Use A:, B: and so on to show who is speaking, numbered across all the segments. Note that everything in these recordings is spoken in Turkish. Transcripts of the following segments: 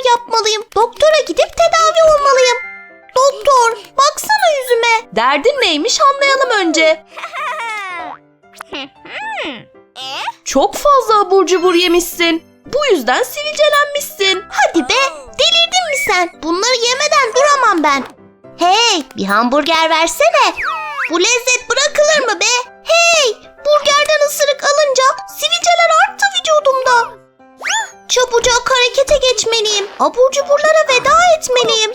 A: yapmalıyım. Doktora gidip tedavi olmalıyım. Doktor, baksana yüzüme. Derdin neymiş anlayalım önce. Çok fazla abur cubur yemişsin. Bu yüzden sivilcelenmişsin. Hadi be, delirdin mi sen? Bunları yemeden duramam ben. Hey, bir hamburger versene. Bu lezzet bırakılır mı be? Hey, burgerden ısırık alınca sivilceler arttı vücudumda. Çabucak harekete geçmeliyim. Abur cuburlara veda etmeliyim.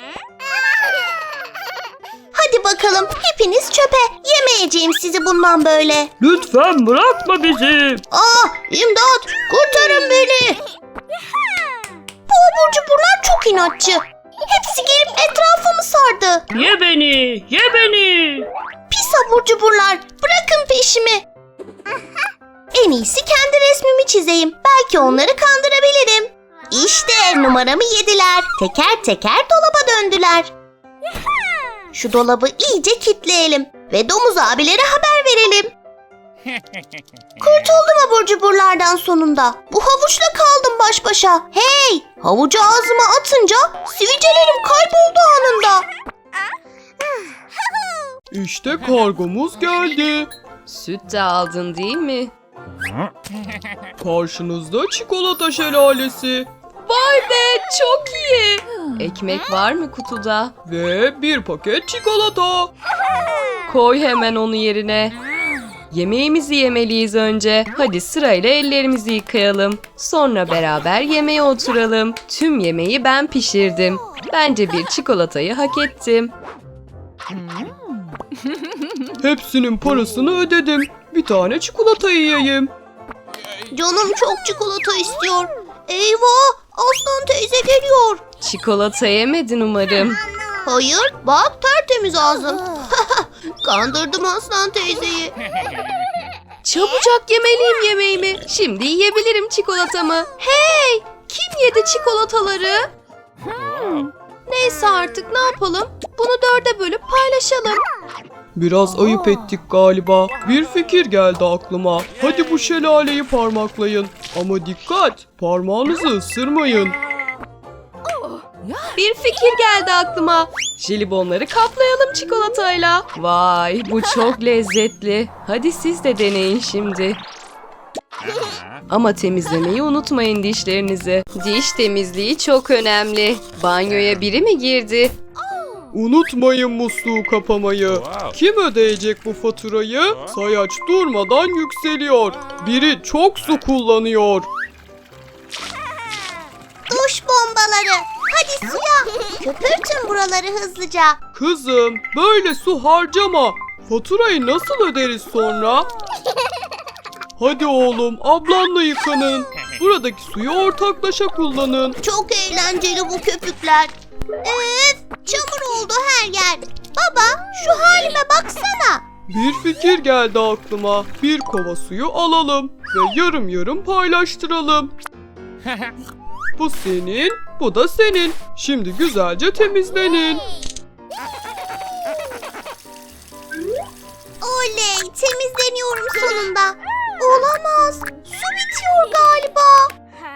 A: Hadi bakalım, hepiniz çöpe. Yemeyeceğim sizi bundan böyle.
B: Lütfen bırakma bizi.
A: İmdat, kurtarın beni. Bu abur cuburlar çok inatçı. Hepsi gelip etrafımı sardı.
B: Ye beni, ye beni.
A: Pis abur cuburlar, bırakın peşimi. En iyisi kendi resmimi çizeyim. Belki onları kandırabilirim. İşte numaramı yediler. Teker teker dolaba döndüler. Şu dolabı iyice kitleyelim ve domuz abilere haber verelim. Kurtuldum abur cuburlardan sonunda. Bu havuçla kaldım baş başa. Hey! Havucu ağzıma atınca sivilcelerim kayboldu anında.
C: İşte kargomuz geldi.
D: Süt de aldın değil mi?
C: Karşınızda çikolata şelalesi
D: Vay be, çok iyi. Ekmek var mı kutuda?
C: ve bir paket çikolata.
D: Koy hemen onu yerine. Yemeğimizi yemeliyiz önce. Hadi sırayla ellerimizi yıkayalım. Sonra beraber yemeğe oturalım. Tüm yemeği ben pişirdim. Bence bir çikolatayı hak ettim.
C: Hepsinin parasını ödedim. Bir tane çikolata yiyeyim.
A: Canım çok çikolata istiyor. Eyvah! Aslan teyze geliyor.
D: Çikolata yemedin umarım.
A: Hayır, bak tertemiz ağzım. Kandırdım Aslan teyzeyi.
D: Çabucak yemeliyim yemeğimi. Şimdi yiyebilirim çikolatamı. Hey! Kim yedi çikolataları? Neyse artık ne yapalım? Bunu 4'e bölüp paylaşalım.
C: Biraz ayıp ettik galiba. Bir fikir geldi aklıma. Hadi bu şelaleyi parmaklayın. Ama dikkat, parmağınızı ısırmayın.
D: Bir fikir geldi aklıma. Jelibonları kaplayalım çikolatayla. Vay, bu çok lezzetli. Hadi siz de deneyin şimdi. Ama temizlemeyi unutmayın dişlerinizi. Diş temizliği çok önemli. Banyoya biri mi girdi?
C: Unutmayın musluğu kapamayı. Kim ödeyecek bu faturayı? Sayaç durmadan yükseliyor. Biri çok su kullanıyor.
A: Duş bombaları. Hadi suya. Köpürtün buraları hızlıca.
C: Kızım, böyle su harcama. Faturayı nasıl öderiz sonra? Hadi oğlum, ablanla yıkanın. Buradaki suyu ortaklaşa kullanın.
A: Çok eğlenceli bu köpükler. Çamur oldu her yer. Baba, şu halime baksana.
C: Bir fikir geldi aklıma. Bir kova suyu alalım ve yarım yarım paylaştıralım. Bu senin, bu da senin. Şimdi güzelce temizlenin.
A: Oley, temizleniyorum sonunda. Olamaz, su bitiyor galiba.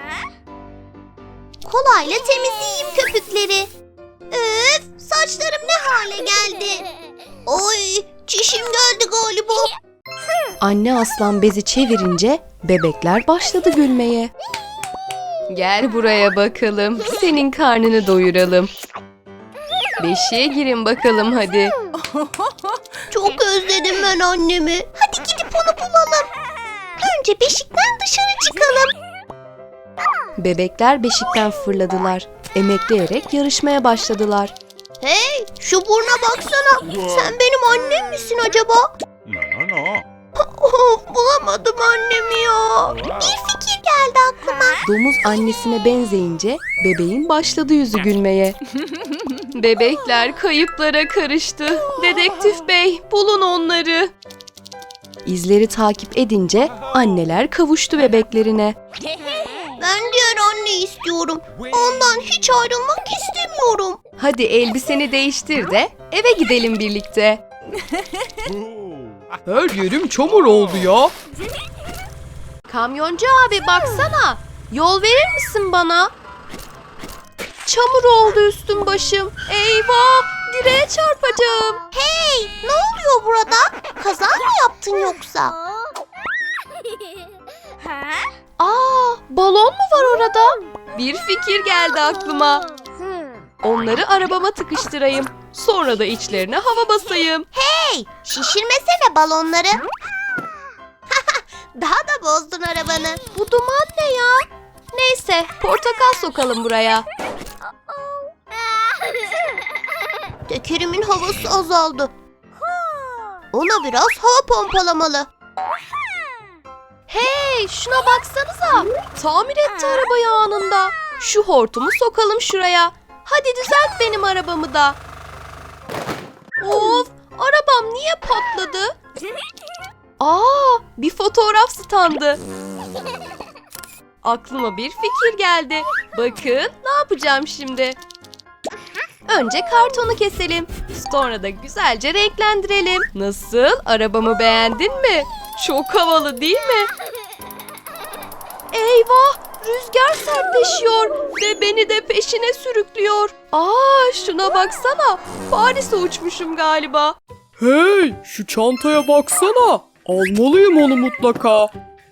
A: Kolayla temizleyeyim köpükleri. Saçlarım ne hale geldi. Oy, çişim geldi galiba.
D: Anne aslan bezi çevirince bebekler başladı gülmeye. Gel buraya bakalım. Senin karnını doyuralım. Beşiğe girin bakalım hadi.
A: Çok özledim ben annemi. Hadi gidip onu bulalım. Önce beşikten dışarı çıkalım.
D: Bebekler beşikten fırladılar. Emekleyerek yarışmaya başladılar.
A: Hey, şu burna baksana. Sen benim annem misin acaba?
E: No.
A: Of, bulamadım annemi ya. Bir fikir geldi aklıma.
D: Domuz annesine benzeyince bebeğin başladı yüzü gülmeye. Bebekler kayıplara karıştı. Dedektif bey, bulun onları. İzleri takip edince anneler kavuştu bebeklerine.
A: Ben diğer anneyi istiyorum. Ondan hiç ayrılmak istemiyorum.
D: Hadi elbiseni değiştir de eve gidelim birlikte.
C: Her yerim çamur oldu ya.
D: Kamyoncu abi baksana. Yol verir misin bana? çamur oldu üstüm başım. Eyvah, direğe çarpacağım.
A: Hey, ne oluyor burada? Kaza mı yaptın yoksa?
D: Balon mu var orada? Bir fikir geldi aklıma. Onları arabama tıkıştırayım. Sonra da içlerine hava basayım.
A: Hey, şişirmesene balonları. Daha da bozdun arabanı.
D: Bu duman ne ya? Neyse, portakal sokalım buraya.
A: Tekerimin havası azaldı. Ona biraz hava pompalamalı.
D: Hey, şuna baksanıza. Tamir etti arabayı anında. Şu hortumu sokalım şuraya. Hadi düzelt benim arabamı da. Of, arabam niye patladı? Bir fotoğraf standı. Aklıma bir fikir geldi. Bakın ne yapacağım şimdi. Önce kartonu keselim. Sonra da güzelce renklendirelim. Nasıl? Arabamı beğendin mi? Çok havalı değil mi? Eyvah! Rüzgar sertleşiyor ve beni de peşine sürüklüyor. Şuna baksana. Paris'e uçmuşum galiba.
C: Hey, şu çantaya baksana. Almalıyım onu mutlaka.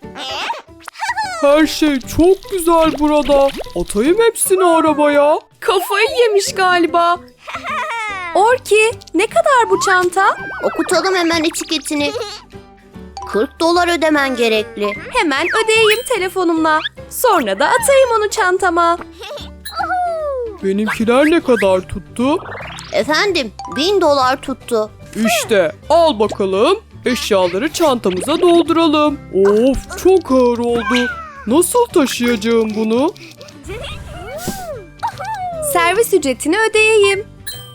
C: Her şey çok güzel burada. Atayım hepsini arabaya.
D: Kafayı yemiş galiba. Orki, ne kadar bu çanta?
A: Okutalım hemen etiketini. $40 ödemen gerekli.
D: Hemen ödeyeyim telefonumla. Sonra da atayım onu çantama.
C: Benimkiler ne kadar tuttu?
A: Efendim, $1000 tuttu.
C: İşte al bakalım. Eşyaları çantamıza dolduralım. Of, çok ağır oldu. Nasıl taşıyacağım bunu?
D: Servis ücretini ödeyeyim.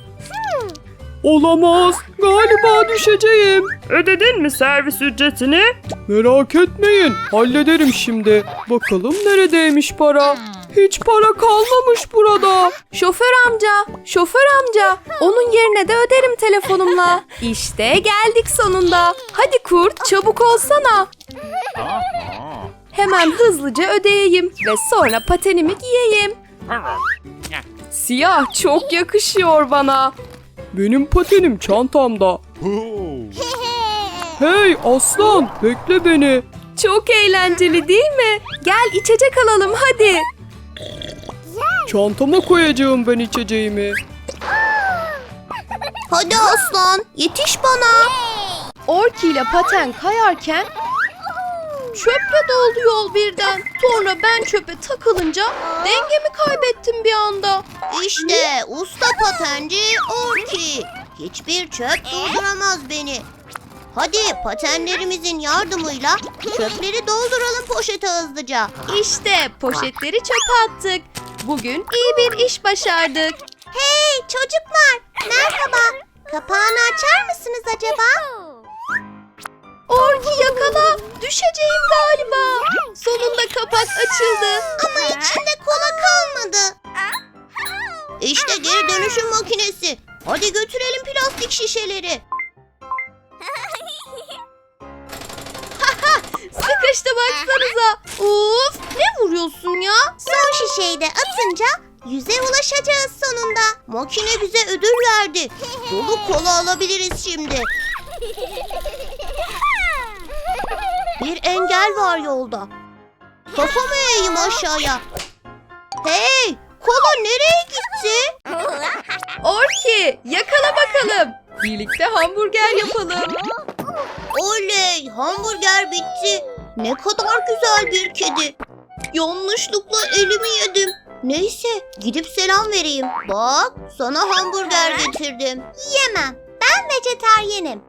C: Olamaz. Galiba düşeceğim.
B: Ödedin mi servis ücretini?
C: Merak etmeyin. Hallederim şimdi. Bakalım neredeymiş para? Hiç para kalmamış burada.
D: Şoför amca, onun yerine de öderim telefonumla. İşte geldik sonunda. Hadi kurt, çabuk olsana. Hemen hızlıca ödeyeyim ve sonra patenimi giyeyim. Siyah çok yakışıyor bana.
C: Benim patenim çantamda. Hey aslan, bekle beni.
D: Çok eğlenceli değil mi? Gel içecek alalım hadi.
C: Çantama koyacağım ben içeceğimi.
A: Hadi aslan, yetiş bana.
D: Orki ile paten kayarken çöple doldu yol birden. Sonra ben çöpe takılınca dengemi kaybettim bir anda.
A: İşte usta patenci Orki. Hiçbir çöp dolduramaz beni. Hadi patenlerimizin yardımıyla çöpleri dolduralım poşete hızlıca.
D: İşte poşetleri çöpe attık. Bugün iyi bir iş başardık.
A: Hey çocuklar, merhaba. Kapağını açar mısınız acaba?
D: Orki yakala. Düşeceğim galiba. Sonunda kapak açıldı.
A: Ama içinde kola kalmadı. İşte geri dönüşüm makinesi. Hadi götürelim plastik şişeleri.
D: Sıkıştı baksanıza. Of, ne vuruyorsun ya?
A: Son şişeyi de atınca yüze ulaşacağız sonunda. Makine bize ödül verdi. Dolu kola alabiliriz şimdi. Bir engel var yolda. Kafamı eğeyim aşağıya. Hey, kola nereye gitti?
D: Orki, yakala bakalım. Birlikte hamburger yapalım.
A: Oley, hamburger bitti. Ne kadar güzel bir kedi. Yanlışlıkla elimi yedim. Neyse, gidip selam vereyim. Bak, sana hamburger getirdim. Yemem, ben vejetaryenim.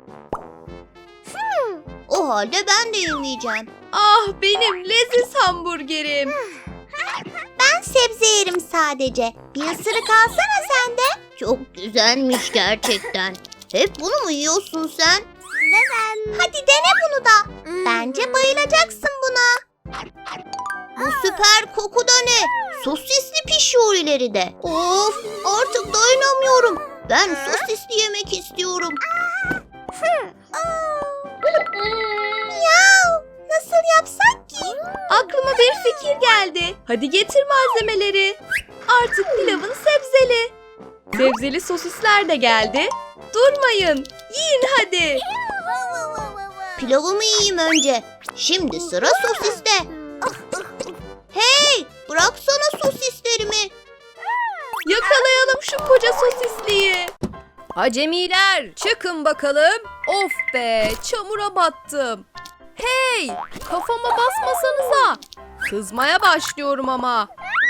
A: O halde ben de yemeyeceğim.
D: Ah benim leziz hamburgerim.
A: Ben sebze yerim sadece. Bir ısırık alsana sen de. Çok güzelmiş gerçekten. Hep bunu mu yiyorsun sen? Hadi dene bunu da. Bence bayılacaksın buna. Bu süper koku da ne? Sosisli pişiyor ileride. Of, artık dayanamıyorum. Ben sosisli yemek istiyorum. Miau, nasıl yapsak ki?
D: Aklıma bir fikir geldi. Hadi getir malzemeleri. Artık pilavın sebzeli. Sebzeli sosisler de geldi. Durmayın. Yiyin hadi.
A: Pilavımı yiyeyim önce. Şimdi sıra sosiste. Hey, bıraksana sosislerimi.
D: Yakalayalım şu koca sosisliği. Acemiler çıkın bakalım. Of be, çamura battım. Hey, kafama basmasanıza. Kızmaya başlıyorum ama.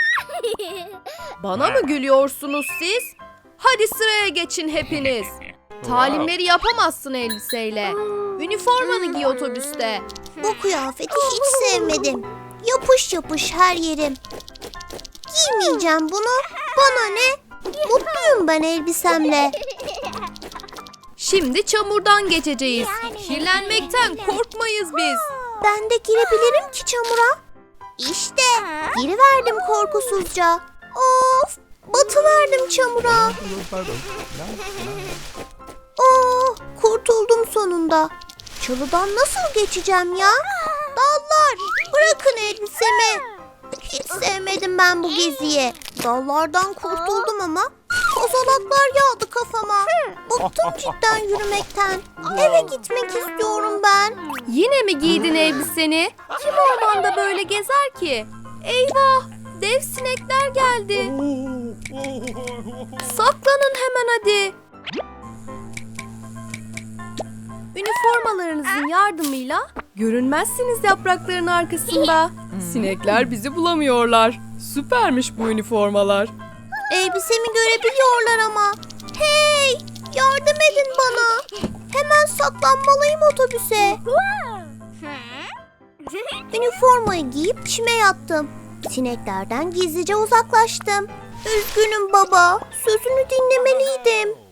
D: Bana mı gülüyorsunuz siz? Hadi sıraya geçin hepiniz. Talimleri yapamazsın elbiseyle. Üniformanı giy otobüste.
A: Bu kıyafeti hiç sevmedim. Yapış yapış her yerim. Giymeyeceğim bunu. Bana ne? Mutluyum ben elbisemle.
D: Şimdi çamurdan geçeceğiz. Kirlenmekten korkmayız biz.
A: Ben de girebilirim ki çamura. İşte giriverdim korkusuzca. Of, batıverdim çamura. Oh, kurtuldum sonunda. Çalıdan nasıl geçeceğim ya? Dallar, bırakın elbisemi. Hiç sevmedim ben bu geziyi. Dallardan kurtuldum ama kozalaklar yağdı kafama. Bıktım cidden yürümekten. Eve gitmek istiyorum ben.
D: Yine mi giydin elbiseni? Kim ormanda böyle gezer ki? Eyvah! Dev sinekler geldi. Saklanın hemen hadi. Üniformalarınızın yardımıyla görünmezsiniz yaprakların arkasında.
B: Sinekler bizi bulamıyorlar. Süpermiş bu üniformalar.
A: Elbisemi görebiliyorlar ama. Hey, yardım edin bana. Hemen saklanmalıyım otobüse. Üniformayı giyip çime yattım. Sineklerden gizlice uzaklaştım. Üzgünüm baba, sözünü dinlemeliydim.